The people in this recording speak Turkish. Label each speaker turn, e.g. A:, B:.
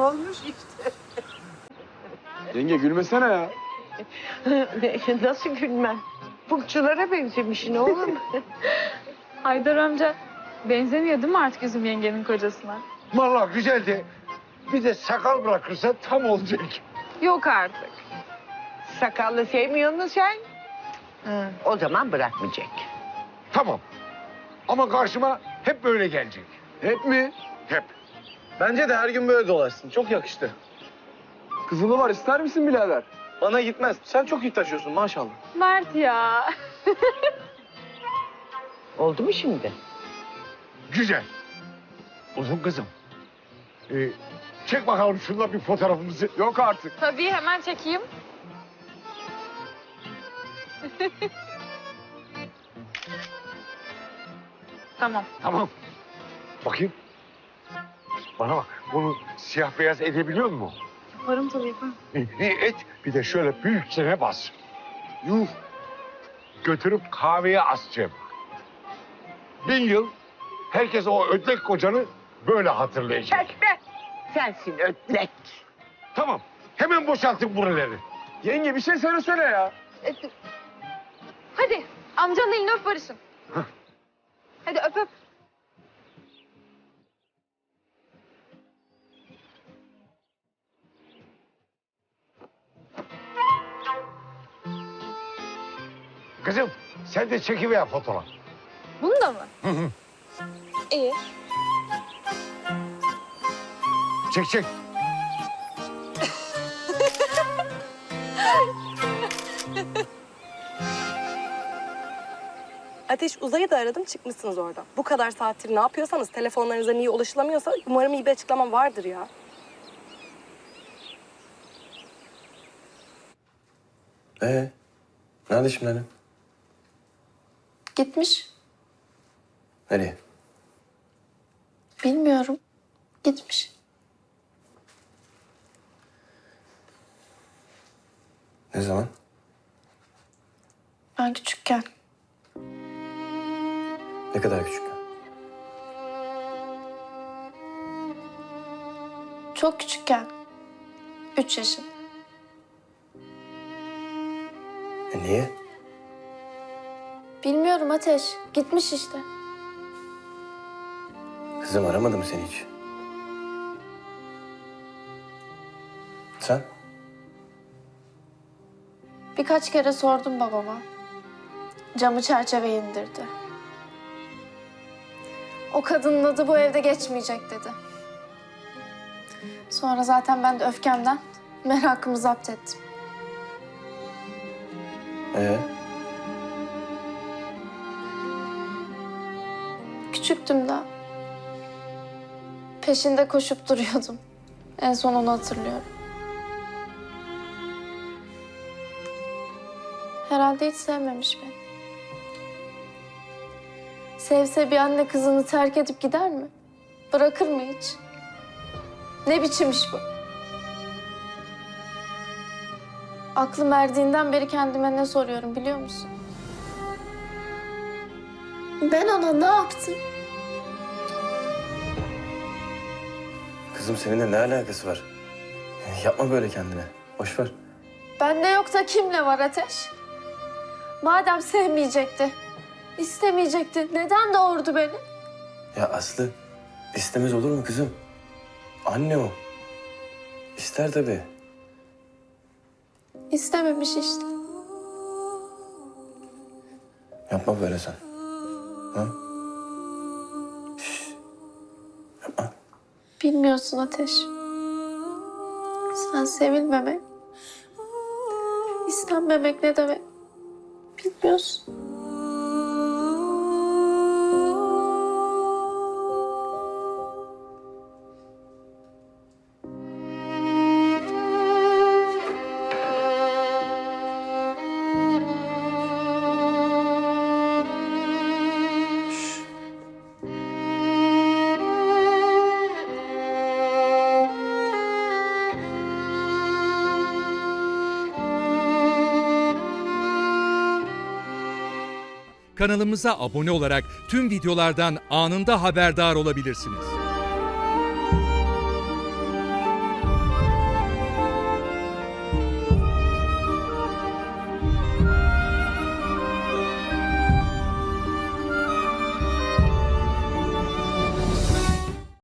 A: olmuş işte.
B: Yenge gülmesene ya.
A: Nasıl gülmem? Pupçulara benzemişsin oğlum.
C: Haydar amca benzemiyor değil mi artık Üzüm yengenin kocasına?
D: Vallahi güzeldi. Bir de sakal bırakırsa tam olacak.
C: Yok artık.
A: Sakallı sevmiyor musun sen? O zaman bırakmayacak.
D: Tamam. Ama karşıma hep böyle gelecek.
B: Hep mi?
D: Hep.
E: Bence de her gün böyle dolaşsın. Çok yakıştı.
B: Kızılı var ister misin birader?
E: Bana gitmez. Sen çok iyi taşıyorsun maşallah.
C: Mert ya.
A: Oldu mu şimdi?
D: Güzel. Uzun kızım. Çek bakalım şunla bir fotoğrafımızı.
B: Yok artık.
C: Tabii hemen çekeyim. Tamam.
D: Tamam. Bakayım. Bana bak. Bunu siyah beyaz edebiliyor musun?
C: Yaparım tabii yaparım.
D: Et. Bir de şöyle büyükçene bas. Yuh. Götürüp kahveye asacağım. 1000 yıl herkes o ödlek kocanı böyle hatırlayacak.
A: Çekme. Sensin ötlek.
D: Tamam. Hemen boşaltın buraları.
B: Yenge bir şey söyle ya.
C: Hadi amcanın elini öp barışın. Hadi öp öp.
D: Kızım sen de çekiver fotoğraf.
C: Bunu da mı? İyi.
D: Çek.
F: Ateş, Uzay'ı da aradım, çıkmışsınız oradan. Bu kadar saattir ne yapıyorsanız, telefonlarınıza niye ulaşılamıyorsa umarım iyi bir açıklamam vardır ya.
G: Nerede şimdi annem?
H: Gitmiş.
G: Nereye?
H: Bilmiyorum. Gitmiş.
G: Ne zaman?
H: Ben küçükken.
G: Ne kadar küçük?
H: Çok küçükken. 3 yaşın.
G: Niye?
H: Bilmiyorum Ateş. Gitmiş işte.
G: Kızım aramadı mı seni hiç? Sen?
H: Birkaç kere sordum babama. Camı çerçeve indirdi. O kadının adı bu evde geçmeyecek dedi. Sonra zaten ben de öfkemden merakımı zapt ettim. Küçüktüm daha. Peşinde koşup duruyordum. En son onu hatırlıyorum. Herhalde hiç sevmemiş beni. Sevse bir anne kızını terk edip gider mi? Bırakır mı hiç? Ne biçim iş bu? Aklım erdiğinden beri kendime ne soruyorum biliyor musun? Ben ona ne yaptım?
G: Kızım seninle ne alakası var? Yapma böyle kendine. Boş ver.
H: Bende yok da kimle var Ateş? Madem sevmeyecekti, istemeyecekti, neden doğurdu beni?
G: Ya Aslı istemez olur mu kızım? Anne o. İster tabii.
H: İstememiş işte.
G: Yapma böyle sen. Ha? Şş. Yapma.
H: Bilmiyorsun Ateş. Sen sevilmemek, istenmemek ne demek bilmiyorsun.
I: Kanalımıza abone olarak tüm videolardan anında haberdar olabilirsiniz.